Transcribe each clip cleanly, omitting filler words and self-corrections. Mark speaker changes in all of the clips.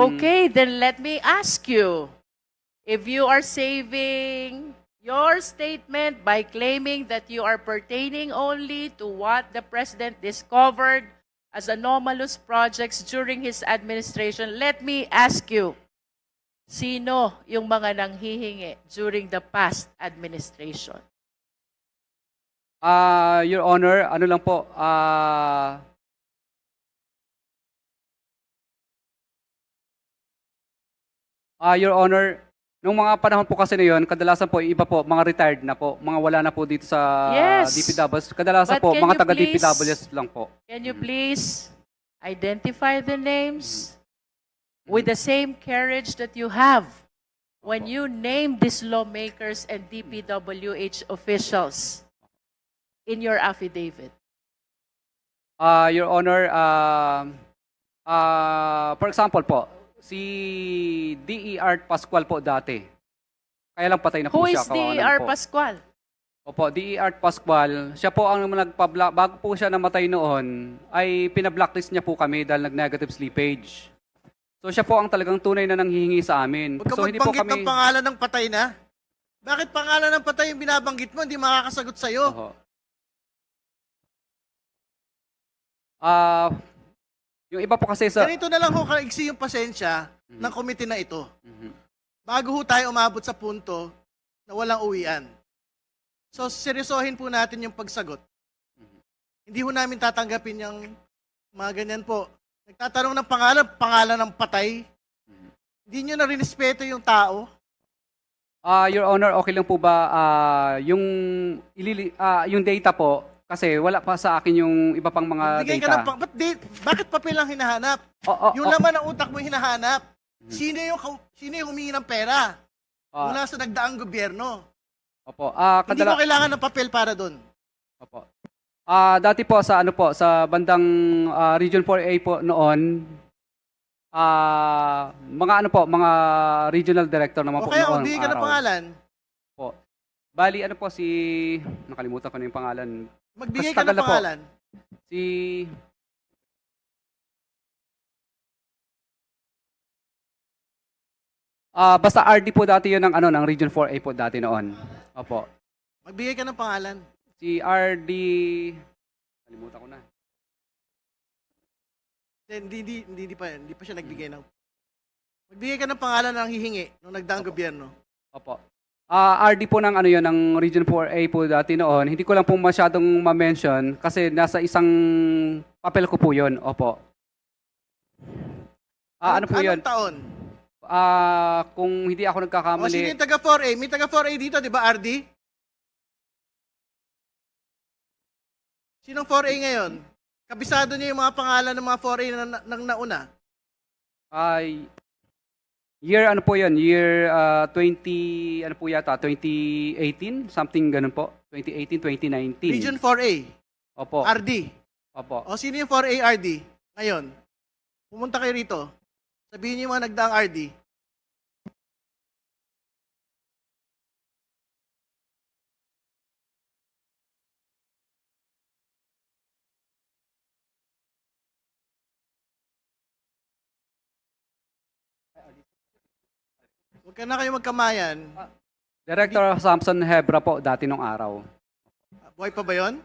Speaker 1: Okay, then let me ask you, if you are saving your statement by claiming that you are pertaining only to what the President discovered as anomalous projects during his administration, let me ask you, sino yung mga nanghihingi during the past administration?
Speaker 2: Your Honor, ano lang po, Your Honor, nung mga panahon po kasi na yun, kadalasan po, iba po, mga retired na po, mga wala na po dito sa
Speaker 1: Yes.
Speaker 2: DPWs. Kadalasan
Speaker 1: But
Speaker 2: po,
Speaker 1: can
Speaker 2: mga
Speaker 1: you
Speaker 2: taga-DPWs lang po.
Speaker 1: Can you please identify the names with the same courage that you have when you name these lawmakers and DPWH officials in your affidavit?
Speaker 2: Your Honor, for example po, si D.E. Art Pascual po dati. Kaya lang patay na po
Speaker 1: Who
Speaker 2: siya.
Speaker 1: is
Speaker 2: kawawa naman
Speaker 1: D.R.
Speaker 2: po.
Speaker 1: Pascual?
Speaker 2: Opo, D.E. Art Pascual. Siya po ang bago po siya namatay noon, ay pinablacklist niya po kami dahil nag-negative slippage. So siya po ang talagang tunay na nanghihingi sa amin.
Speaker 3: Huwag ka
Speaker 2: So hindi po
Speaker 3: magbanggit
Speaker 2: kami...
Speaker 3: ng pangalan ng patay na. Bakit pangalan ng patay yung binabanggit mo? Hindi makakasagot sa'yo.
Speaker 2: Oho. Yung iba po kasi sa...
Speaker 3: Ganito na lang ho kaigsi yung pasensya ng komite na ito.
Speaker 2: Mhm.
Speaker 3: Bago ho tayo umabot sa punto na walang uwian. So, seryosohin po natin yung pagsagot. Hindi ho namin tatanggapin yung mga ganyan po. Nagtatanong ng pangalan ng patay. Hindi nyo na rinespeto yung tao.
Speaker 2: Your Honor, okay lang po ba yung data po kasi wala pa sa akin yung iba pang mga
Speaker 3: Bigay ka
Speaker 2: data.
Speaker 3: ng bakit papel ang hinahanap? Yung laman ng utak mo hinahanap. Sino yung humingi ng pera? Mula sa nagdaang gobyerno.
Speaker 2: Opo.
Speaker 3: Hindi mo kailangan ng papel para doon.
Speaker 2: Opo. Dati po sa sa bandang Region 4A po noon, mga regional director naman
Speaker 3: O
Speaker 2: po
Speaker 3: kaya
Speaker 2: noon.
Speaker 3: magbigay ka ng pangalan.
Speaker 2: Po. Bali nakalimutan ko na yung pangalan.
Speaker 3: Magbigay
Speaker 2: Mas
Speaker 3: ka
Speaker 2: tagal
Speaker 3: ng
Speaker 2: na po.
Speaker 3: pangalan.
Speaker 2: Si basta RD po dati yun ng Region 4A po dati noon. Opo.
Speaker 3: Magbigay ka ng pangalan.
Speaker 2: Si RD kalimutan ko na.
Speaker 3: Hindi pa siya nagbigay ng... Magbigay ka ng pangalan ng hihingi nung nagdaang gobyerno.
Speaker 2: Opo. RD po ng ng Region 4A po dati noon. Hindi ko lang po masyadong ma-mention kasi nasa isang papel ko po 'yon. Opo. Ano po 'yon?
Speaker 3: Anong taon?
Speaker 2: Kung hindi ako
Speaker 3: O sino
Speaker 2: nagkakamali,
Speaker 3: yung taga 4A? May taga 4A dito, di ba, RD? Sinong 4A ngayon? Kabisado niyo yung mga pangalan ng mga 4A na nauna.
Speaker 2: year ano po 'yon? Year 20 ano po yata? 2018, something ganun po. 2018, 2019.
Speaker 3: Region 4A.
Speaker 2: Opo.
Speaker 3: RD.
Speaker 2: Opo.
Speaker 3: O sino yung 4A RD ngayon? Pumunta kayo rito. Sabihin niyo yung mga nagdaang RD. Huwag ka na kayo magkamayan.
Speaker 2: Director Samson Hebra po dati nung araw.
Speaker 3: Buhay pa ba yun?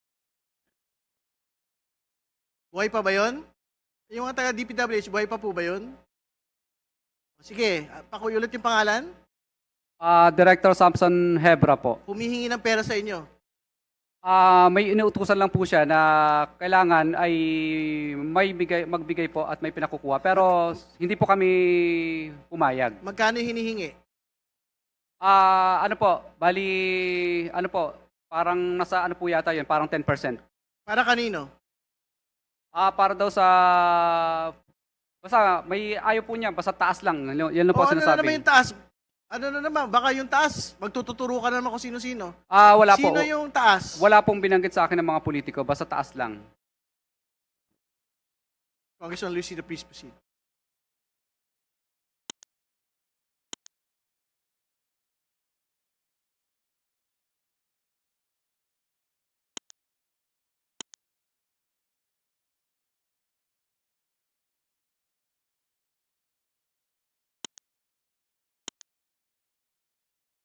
Speaker 3: Buhay pa ba yun? Yung mga taga DPWH, buhay pa po ba yun? Sige, pakiulit yung pangalan.
Speaker 2: Director Samson Hebra po.
Speaker 3: Humihingi ng pera sa inyo.
Speaker 2: May inuutusan lang po siya na kailangan ay magbigay po at may pinakukuha. Pero hindi po kami pumayag.
Speaker 3: Magkano yung hinihingi?
Speaker 2: Parang nasa po yata yun, parang 10%.
Speaker 3: Para kanino?
Speaker 2: Para daw basta may ayaw po niya, basta taas lang. Yan lang po
Speaker 3: Ano na
Speaker 2: sinasabi.
Speaker 3: naman yung taas? Ano na naman? Baka yung taas, magtututuro ka na naman kung sino-sino.
Speaker 2: Wala po.
Speaker 3: Sino yung taas?
Speaker 2: Wala pong binanggit sa akin ng mga politiko, basta taas lang.
Speaker 3: Congressman Lucy, please proceed.